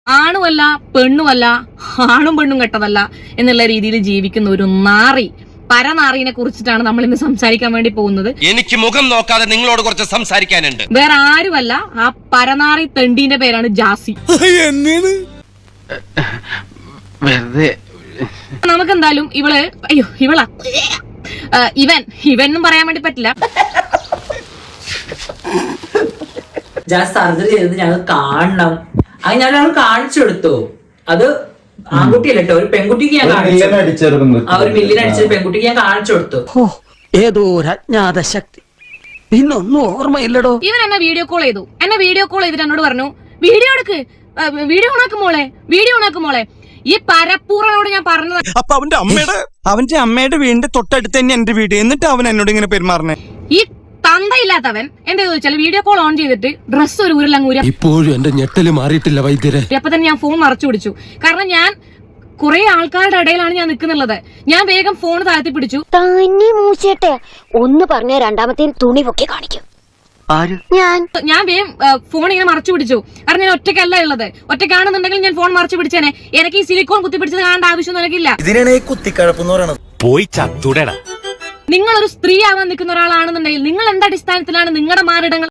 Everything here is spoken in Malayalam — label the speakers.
Speaker 1: ആണുമല്ല പെണ്ണുമല്ല, ആണും പെണ്ണും കെട്ടതല്ല എന്നുള്ള രീതിയിൽ ജീവിക്കുന്ന ഒരു നാറി, പരനാറിനെ കുറിച്ചിട്ടാണ് നമ്മൾ ഇന്ന് സംസാരിക്കാൻ വേണ്ടി പോകുന്നത്.
Speaker 2: എനിക്ക് മുഖം നോക്കാതെ നിങ്ങളോട് കുറച്ച് സംസാരിക്കാനുണ്ട്.
Speaker 1: വേറെ ആരുമല്ല, ആ പരനാറി തെണ്ടീന്റെ പേരാണ് ജാസി. നമുക്കെന്തായാലും ഇവളാ ഇവനും പറയാൻ വേണ്ടി പറ്റില്ല.
Speaker 3: ജാസ് സർജറി ചെയ്തത് ഞങ്ങൾ കാണണം. അത് ഞങ്ങൾ കാണിച്ചു കൊടുത്തു. അത് ആൺകുട്ടിയല്ല കേട്ടോ, ഒരു പെൺകുട്ടിക്ക് ഞാൻ കാണിച്ചു. ആ ഒരു മില്ലിന് അടിച്ചൊരു പെൺകുട്ടിക്ക് ഞാൻ കാണിച്ചു കൊടുത്തു.
Speaker 4: ഏതോ ഒരു അജ്ഞാത ശക്തി, ഇന്നൊന്നും ഓർമ്മയില്ലടോ.
Speaker 1: ഇവൻ എന്നെ വീഡിയോ കോൾ ചെയ്തു. ചെയ്തിട്ട് എന്നോട് പറഞ്ഞു, വീഡിയോ എടുക്ക്, വീഡിയോ ഓണാക്കുമോളെ. ഈ പരപ്പൂറനോട് ഞാൻ പറഞ്ഞത്,
Speaker 5: അപ്പൊ അവന്റെ അമ്മയുടെ വീടിന്റെ തൊട്ടടുത്ത് തന്നെ എന്റെ വീട്. എന്നിട്ട് അവൻ എന്നോട് ഇങ്ങനെ പെരുമാറണേ.
Speaker 1: ഈ തന്തയില്ലാത്തവൻ എന്താ ചോദിച്ചാൽ വീഡിയോ കോൾ ഓൺ ചെയ്തിട്ട് ഡ്രസ്സ് ഒരു ഊരിലങ്ങൂര.
Speaker 6: ഇപ്പോഴും എന്റെ ഞെട്ടല് മാറിയിട്ടില്ല വൈദ്യരെ.
Speaker 1: അപ്പൊ തന്നെ ഞാൻ ഫോൺ മറച്ചു പിടിച്ചു. കാരണം ഞാൻ കുറെ ആൾക്കാരുടെ ഇടയിലാണ് ഞാൻ നിൽക്കുന്നുള്ളത്. ഞാൻ വേഗം ഫോൺ താഴ്ത്തി പിടിച്ചു.
Speaker 7: തന്നെ മൂച്ചേട്ടെ ഒന്ന് പറഞ്ഞ രണ്ടാമത്തെ തുണി പൊക്കി കാണിക്കും.
Speaker 1: ഞാൻ വേഗം ഫോൺ ഇങ്ങനെ മറച്ചു പിടിച്ചു. കാരണം ഞാൻ ഒറ്റയ്ക്കല്ല ഉള്ളത്. ഒറ്റയ്ക്കാണെന്നുണ്ടെങ്കിൽ ഞാൻ ഫോൺ മറച്ചു പിടിച്ചേനെ. എനിക്ക് ഈ സിലിക്കോൺ കുത്തിപ്പിടിച്ചത് കാണേണ്ട ആവശ്യമൊന്നും എനിക്കില്ല.
Speaker 5: ഇതിനാണ് ഈ കുത്തിക്കഴപ്പെന്ന് പറയണത്.
Speaker 6: പോയി ചത്തുടടാ.
Speaker 1: നിങ്ങളൊരു സ്ത്രീ ആവാൻ നിൽക്കുന്ന ഒരാളാണെന്നുണ്ടെങ്കിൽ നിങ്ങൾ എന്ത് അടിസ്ഥാനത്തിലാണ് നിങ്ങളുടെ മാറിടങ്ങൾ